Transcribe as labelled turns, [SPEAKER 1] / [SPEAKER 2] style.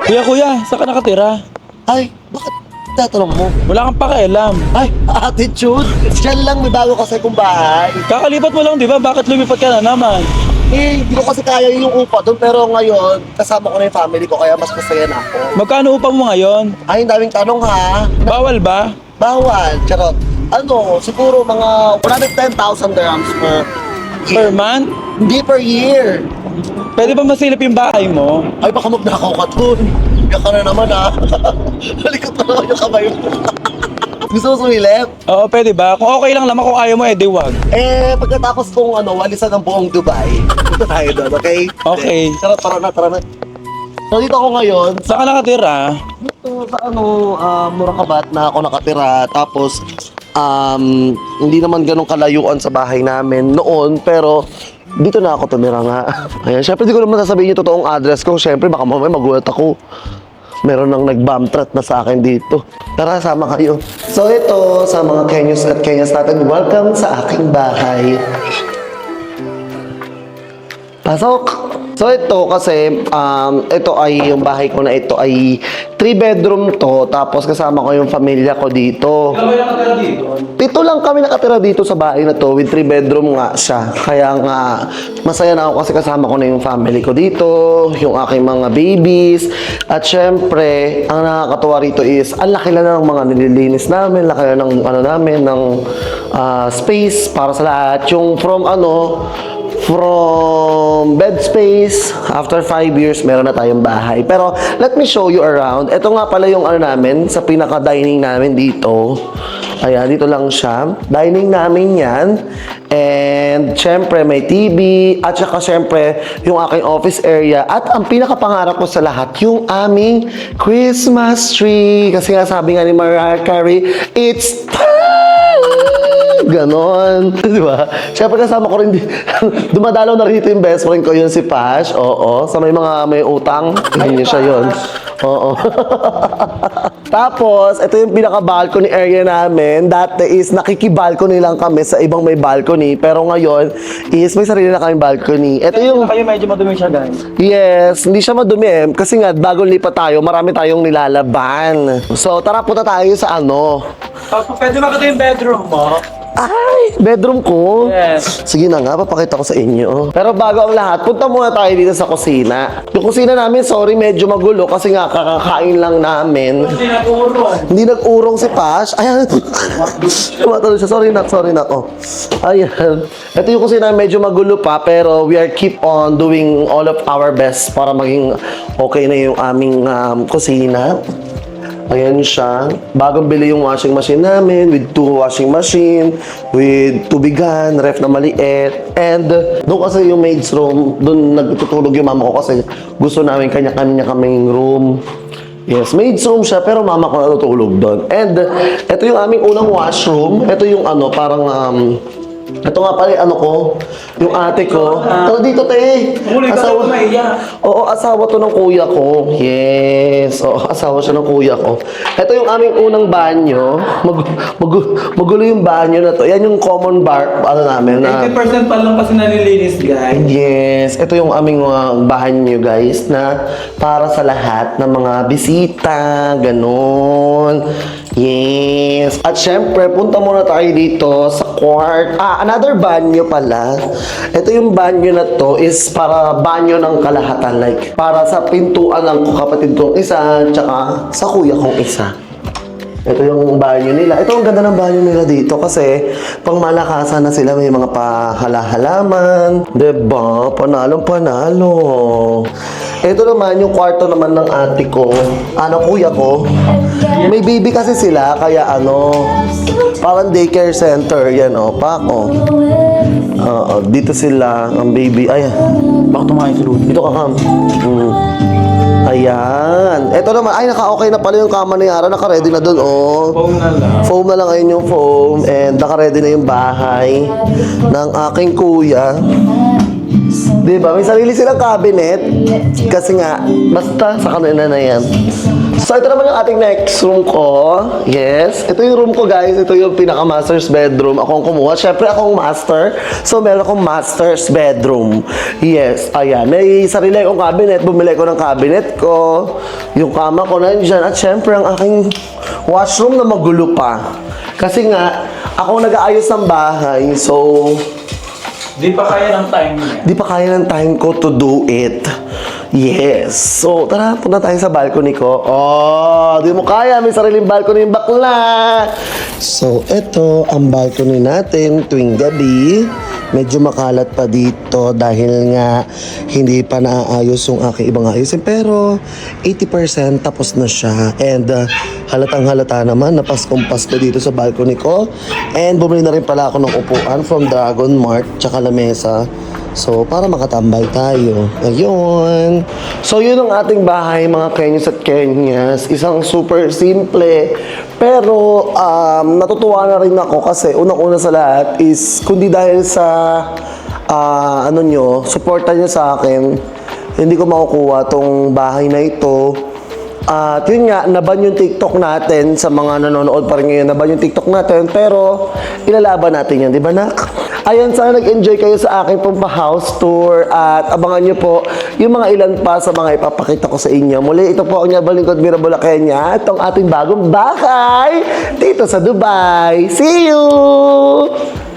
[SPEAKER 1] Kuya, saan ka nakatira?
[SPEAKER 2] Ay, bakit tatanong mo?
[SPEAKER 1] Wala kang pakialam.
[SPEAKER 2] Ay, attitude! Diyan lang, may bago kasi kong bahay.
[SPEAKER 1] Kakalipat mo lang, di ba? Bakit lumipat ka na naman?
[SPEAKER 2] Eh, hindi ko kasi kaya yung upa doon, pero ngayon, kasama ko na yung family ko, kaya mas masaya na ako.
[SPEAKER 1] Magkano upang mo ngayon?
[SPEAKER 2] Ay, ang daming tanong ha.
[SPEAKER 1] Bawal ba?
[SPEAKER 2] Bawal, charot. Ano, siguro mga 110,000 dirhams
[SPEAKER 1] Per month?
[SPEAKER 2] Hindi per year.
[SPEAKER 1] Pwede ba masilip yung bahay mo?
[SPEAKER 2] Ay, baka magnakaw ka dun. Iyak ka na naman ha. Halikot na naman yung kamay mo. Gusto mo sumilip?
[SPEAKER 1] Oo, pwede ba? Kung okay lang naman, kung ayaw mo, edi wag.
[SPEAKER 2] Eh, pagkatapos kong walisan ng buong Dubai, punta tayo doon, okay?
[SPEAKER 1] Okay.
[SPEAKER 2] Tara na. So, dito ako ngayon,
[SPEAKER 1] Saan ka nakatira?
[SPEAKER 2] dito sa Murakabat na ako nakatira. Tapos, hindi naman ganun kalayuan sa bahay namin noon, pero dito na ako tumira nga. Ayan, syempre di ko naman sasabihin yung totoong address ko. Syempre, baka mamaya magulat ako. Meron nang nag-bomb threat na sa akin dito. Tara, sama kayo. So ito, sa mga Kenyos at Kenyas natin, welcome sa aking bahay. Pasok! So ito kasi, ito ay yung bahay ko na ito ay 3-bedroom to, tapos kasama ko yung pamilya ko dito.
[SPEAKER 1] Ikaw yung nakatira dito?
[SPEAKER 2] Pito lang kami nakatira dito sa bahay na to with 3-bedroom nga siya. Kaya nga, masaya na ako kasi kasama ko na yung family ko dito, yung aking mga babies. At syempre, ang nakakatuwa rito is, ang laki lang ng mga nililinis namin, laki lang ng namin, ng space para sa lahat. Yung from bed space, after 5 years, meron na tayong bahay. Pero, let me show you around. Ito nga pala yung namin, sa pinaka-dining namin dito. Ayan, dito lang siya. Dining namin yan. And, syempre, may TV. At saka, syempre, yung aking office area. At ang pinakapangarap ko sa lahat, yung aming Christmas tree. Kasi nga, sabi nga ni Mariah Carey, it's time! Ganon. Di ba? Siyempre kasama ko rin dumadalaw na rito yung best friend ko, yun si Pash. Oo. Sa may utang. Hindi niya siya yun. Oo. Tapos, ito yung pinaka-balcony area namin. Dati is nakikibalcony lang kami sa ibang may balcony. Pero ngayon is may sarili na kaming balcony. Ito yung...
[SPEAKER 1] Kayo medyo madumi siya, guys.
[SPEAKER 2] Yes, hindi siya madumi eh. Kasi nga, bago lipat tayo, marami tayong nilalaban. So, tara punta tayo sa
[SPEAKER 1] Pwede ba yung bedroom mo?
[SPEAKER 2] Ay, bedroom ko.
[SPEAKER 1] Yes.
[SPEAKER 2] Sige na nga, papakita ko sa inyo. Pero bago ang lahat, punta muna tayo dito sa kusina. Yung kusina namin, sorry, medyo magulo kasi nga kakakain lang namin.
[SPEAKER 1] Hindi nag-urong.
[SPEAKER 2] Hindi nag-urong si Pash. Ayan. Tumatalo siya. Sorry na. Oh. Ayan. Ito yung kusina, medyo magulo pa, pero we are keep on doing all of our best para maging okay na yung aming kusina. Ayan siya. Bagong bili yung washing machine namin with 2 washing machine, with tubigan, ref na maliit. And doon kasi yung maid's room, doon nagtutulog yung mama ko kasi gusto namin kanya-kanya kaming room. Yes, maid's room siya pero mama ko natutulog doon. And ito yung aming unang washroom. Ito yung ito nga pala yung ate ko. Tara dito, te.
[SPEAKER 1] Asawa.
[SPEAKER 2] Oo, asawa to ng kuya ko. Yes. Oo, asawa siya ng kuya ko. Ito yung aming unang banyo. Magulo yung banyo na to. Yan yung common namin na...
[SPEAKER 1] 80% pa lang kasi nalilinis, guys.
[SPEAKER 2] Yes. Ito yung aming banyo, guys, na para sa lahat ng mga bisita. Ganon. Yes. At syempre, punta muna tayo dito sa another banyo pala. Ito yung banyo na to is para banyo ng kalahatan. Like, para sa pintuan ng kapatid kong isa, tsaka sa kuya kong isa. Ito yung banyo nila. Ito ang ganda ng banyo nila dito kasi pang malakasan na sila. May mga pahala-halaman. Diba? Panalong-panalo. Ito naman yung kwarto naman ng ate ko. Kuya ko. May baby kasi sila, kaya parang daycare center. Yan pak dito sila, ang baby. Ayan.
[SPEAKER 1] Bakit tumayo si Rudy?
[SPEAKER 2] Dito ka, Kam. Ayan. Ito naman, naka-okay na pala yung kama ni Yara. Naka-ready na dun,
[SPEAKER 1] Phone na lang.
[SPEAKER 2] Foam na lang, ayun yung foam. And naka-ready na yung bahay ng aking kuya. Diba? May sarili silang cabinet. Kasi nga, basta sa kanila na yan. So, ito naman yung ating next room ko. Yes. Ito yung room ko, guys. Ito yung pinaka-master's bedroom. Ako ang kumuha. Siyempre, ako ang master. So, meron akong master's bedroom. Yes. Ayan. May sarili akong cabinet. Bumili ko ng cabinet ko. Yung kama ko nandyan. At siyempre, ang aking washroom na magulo pa. Kasi nga, ako nag-aayos ng bahay. So,
[SPEAKER 1] Di pa kaya ng time niya.
[SPEAKER 2] di pa kaya ng time ko to do it. Yes. So, tara, punta tayo sa balcony ko. Oh, di mo kaya. May sariling balcony yung bakla. So, ito ang balcony natin tuwing gabi. Medyo makalat pa dito dahil nga hindi pa naaayos yung aking ibang ayusin. Pero, 80% tapos na siya. And, halatang halata naman na Paskong-Pasko dito sa balcony ko. And, bumili na rin pala ako ng upuan from Dragon Mart tsaka lamesa. So, para makatambay tayo. Ayun. So, yun ang ating bahay, mga Kenyas at Kenyas. Isang super simple. Pero, natutuwa na rin ako kasi unang-una sa lahat is, kundi dahil sa, suporta nyo sa akin, hindi ko makukuha tong bahay na ito. At yun nga, naban yung TikTok natin sa mga nanonood pa rin ngayon. Naban yung TikTok natin, pero ilalaban natin yan, di ba, nak? Ayan, sana nag-enjoy kayo sa aking pong house tour at abangan nyo po yung mga ilan pa sa mga ipapakita ko sa inyo. Muli, ito po ang Nyabal Lingkod Mirabula, Kenya. Itong ating bagong bahay dito sa Dubai. See you!